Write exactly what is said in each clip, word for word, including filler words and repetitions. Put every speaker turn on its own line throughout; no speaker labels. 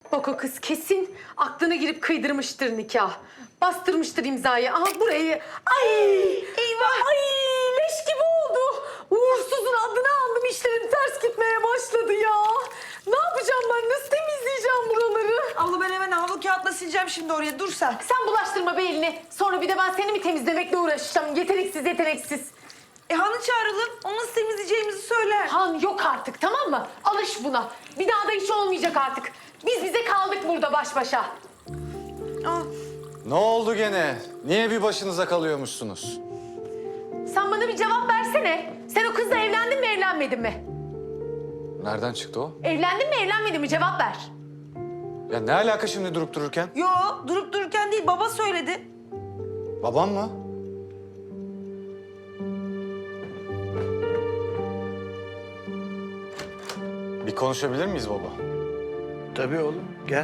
Bak o kız kesin aklına girip kıydırmıştır nikah. Bastırmıştır imzayı. Aha burayı. Ay! Eyvah! Ay leş gibi oldu. Uğursuzun adını aldım, işlerim ters gitmeye başladı ya. Ne yapacağım ben? Nasıl temizleyeceğim buraları?
Abla ben hemen havlu kağıtla sileceğim şimdi oraya. Dur sen.
Sen bulaştırma be elini. Sonra bir de ben seni mi temizlemekle uğraşacağım? Yeteneksiz yeteneksiz.
E Han'ı çağıralım. Onu nasıl temizleyeceğimizi söyler.
Han yok artık, tamam mı? Alış buna. Bir daha da hiç olmayacak artık. Biz bize kaldık burada baş başa.
Aa,
Ne oldu gene? Niye bir başınıza kalıyormuşsunuz?
Sen bana bir cevap versene. Sen o kızla evlendin mi, evlenmedin mi?
Nereden çıktı o?
Evlendin mi, evlenmedin mi? Cevap ver.
Ya ne alaka şimdi durup dururken?
yo durup dururken değil, baba söyledi.
Babam mı? Bir konuşabilir miyiz baba?
Tabii oğlum, gel.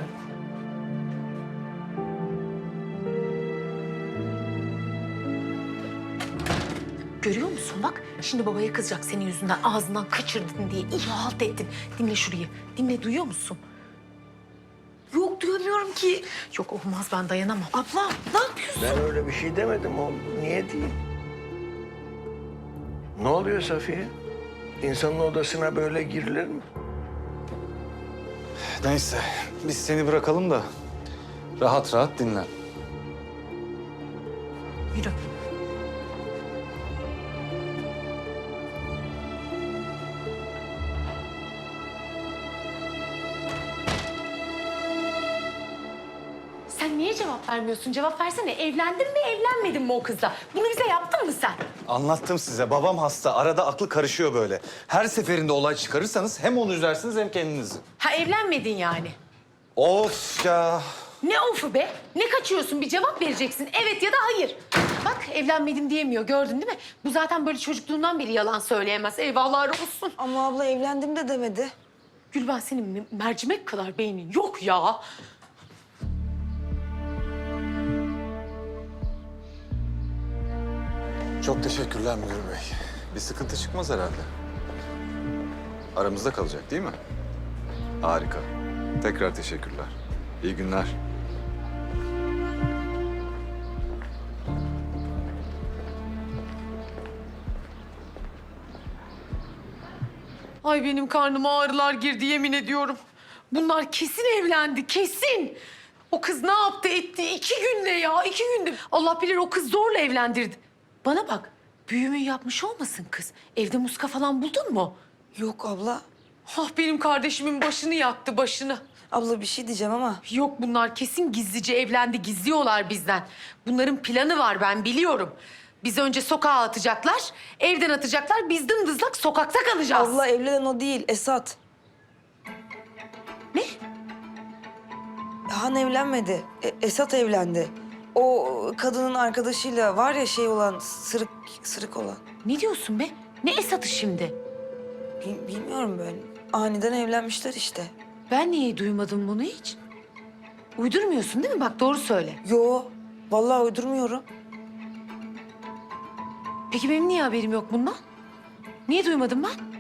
Görüyor musun bak? Şimdi babaya kızacak senin yüzünden. Ağzından kaçırdın diye. İyi halt ettin. Dinle şurayı. Dinle, duyuyor musun?
Yok duyamıyorum ki.
Yok olmaz, ben dayanamam.
Abla ne yapıyorsun?
Ben öyle bir şey demedim oğlum. Niye diyeyim? Ne oluyor Safiye? İnsanın odasına böyle girilir mi?
Neyse, biz seni bırakalım da rahat rahat dinlen.
Yürü. Sen niye cevap vermiyorsun? Cevap versene. Evlendin mi, evlenmedin mi o kızla? Bunu bize yaptın mı sen?
Anlattım size, babam hasta. Arada aklı karışıyor böyle. Her seferinde olay çıkarırsanız hem onu üzersiniz hem kendinizi.
Ha, evlenmedin yani.
Of ya!
Ne ofu be? Ne kaçıyorsun? Bir cevap vereceksin. Evet ya da hayır. Bak evlenmedim diyemiyor. Gördün değil mi? Bu zaten böyle çocukluğundan beri yalan söyleyemez. Eyvahlar olsun.
Ama abla evlendim de demedi.
Gülben, senin me- mercimek kadar beynin yok ya.
Çok teşekkürler müdür bey. Bir sıkıntı çıkmaz herhalde. Aramızda kalacak değil mi? Harika. Tekrar teşekkürler. İyi günler.
Ay benim karnıma ağrılar girdi, yemin ediyorum. Bunlar kesin evlendi, kesin. O kız ne yaptı etti? İki günde ya, iki günde. Allah bilir o kız zorla evlendirdi. Bana bak, büyümü yapmış olmasın kız? Evde muska falan buldun mu?
Yok abla.
Ah benim kardeşimin başını yaktı, başını.
Abla bir şey diyeceğim ama.
Yok, bunlar kesin gizlice evlendi, gizliyorlar bizden. Bunların planı var, ben biliyorum. Bizi önce sokağa atacaklar, evden atacaklar, biz dımdızlak sokakta kalacağız.
Abla evlenen o değil, Esat.
Ne?
Han evlenmedi. E- Esat evlendi. O kadının arkadaşıyla var ya şey olan, sırık sırık olan.
Ne diyorsun be? Ne Esat'ı şimdi?
Bil- bilmiyorum ben. Aniden evlenmişler işte.
Ben niye duymadım bunu hiç? Uydurmuyorsun değil mi? Bak doğru söyle.
Yo, vallahi uydurmuyorum.
Peki benim niye haberim yok bundan? Niye duymadım ben?